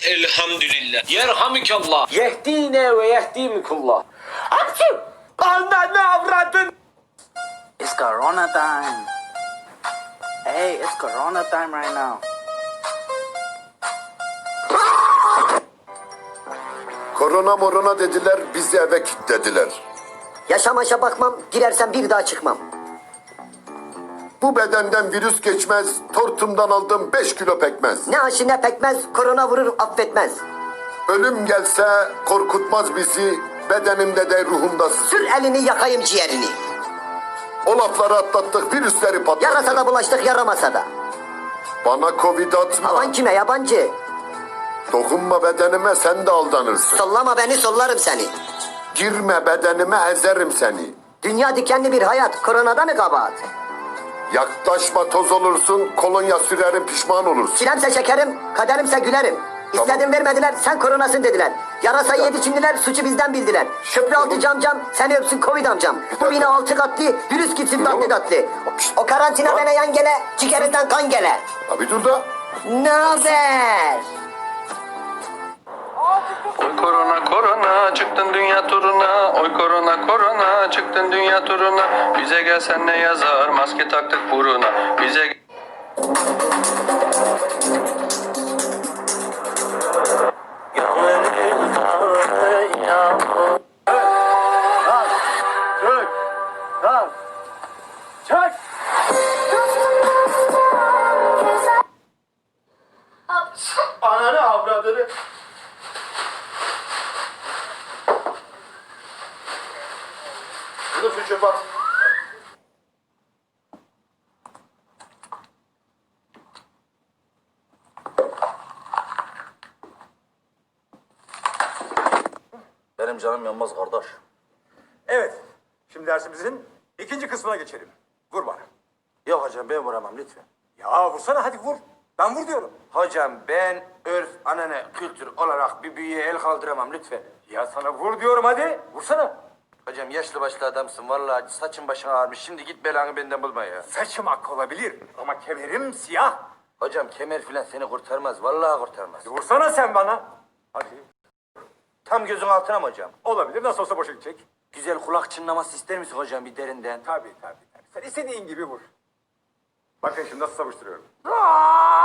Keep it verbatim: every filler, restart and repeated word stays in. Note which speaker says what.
Speaker 1: Elhamdülillah. Yerhamikallah.
Speaker 2: Yehdine ve yehdimikullah. Hapşu! Ananı avradın!
Speaker 3: It's Corona time. Hey, it's Corona time right now.
Speaker 4: Korona morona dediler, bizi eve kilitlediler.
Speaker 5: Yaşamaşa bakmam, girersem bir daha çıkmam.
Speaker 4: Bu bedenden virüs geçmez, tortumdan aldım beş kilo pekmez.
Speaker 5: Ne aşı ne pekmez, korona vurur affetmez.
Speaker 4: Ölüm gelse korkutmaz bizi, bedenimde de ruhumda sızı.
Speaker 5: Sür elini yakayım ciğerini.
Speaker 4: O lafları atlattık, virüsleri patlattık.
Speaker 5: Yarasa da bulaştık yaramasa da.
Speaker 4: Bana covid atma,
Speaker 5: Aman kime yabancı?
Speaker 4: dokunma bedenime sen de aldanırsın.
Speaker 5: Sollama beni sollarım seni.
Speaker 4: Girme bedenime ezerim seni.
Speaker 5: Dünya dikenli bir hayat, koronada mı kabahat?
Speaker 4: Yaklaşma toz olursun, kolonya sürerim pişman olursun.
Speaker 5: Çilemse şekerim, kaderimse gülerim.
Speaker 4: Tamam.
Speaker 5: İstedim vermediler, sen koronasın dediler. Yarasayı yedi Çinliler, suçu bizden bildiler. Köprü altı camcam, seni öpsün Covid amcam. Bu bina altı katlı, virüs gitsin tatlı tatlı. O karantina bana yan gele, ciğerinden kan gele.
Speaker 4: Abi dur da.
Speaker 5: Ne haber?
Speaker 6: Oy korona korona çıktın dünya turuna. Oy korona korona çıktın dünya turuna. Bize gelsen ne yazar maske taktık buruna. Bize
Speaker 2: Çök! Kalk! Çök! Ananı avradını! Bunu şu çöpe at.
Speaker 7: Benim canım yanmaz kardeş.
Speaker 8: Evet. Şimdi dersimizin ikinci kısmına geçelim. Vur bana.
Speaker 7: Yok hocam ben vuramam lütfen.
Speaker 8: Ya vursana hadi vur. Ben vur diyorum.
Speaker 7: Hocam ben örf, anane, kültür olarak bir büyüye el kaldıramam lütfen.
Speaker 8: Ya sana vur diyorum hadi. Vursana.
Speaker 7: Hocam yaşlı başlı adamsın vallahi saçın başın ağarmış. Şimdi git belanı benden bulma ya.
Speaker 8: Saçım ak olabilir ama kemerim siyah.
Speaker 7: Hocam kemer filan seni kurtarmaz. Vallahi kurtarmaz.
Speaker 8: Vursana sen bana. Hadi.
Speaker 7: Tam gözün altına mı hocam?
Speaker 8: Olabilir nasıl olsa boşa gidecek.
Speaker 7: Güzel kulak çınlaması ister misin hocam bir derinden?
Speaker 8: Tabii tabii tabii. Sen istediğin gibi vur. Bakın şimdi nasıl savuşturuyorum. Aa!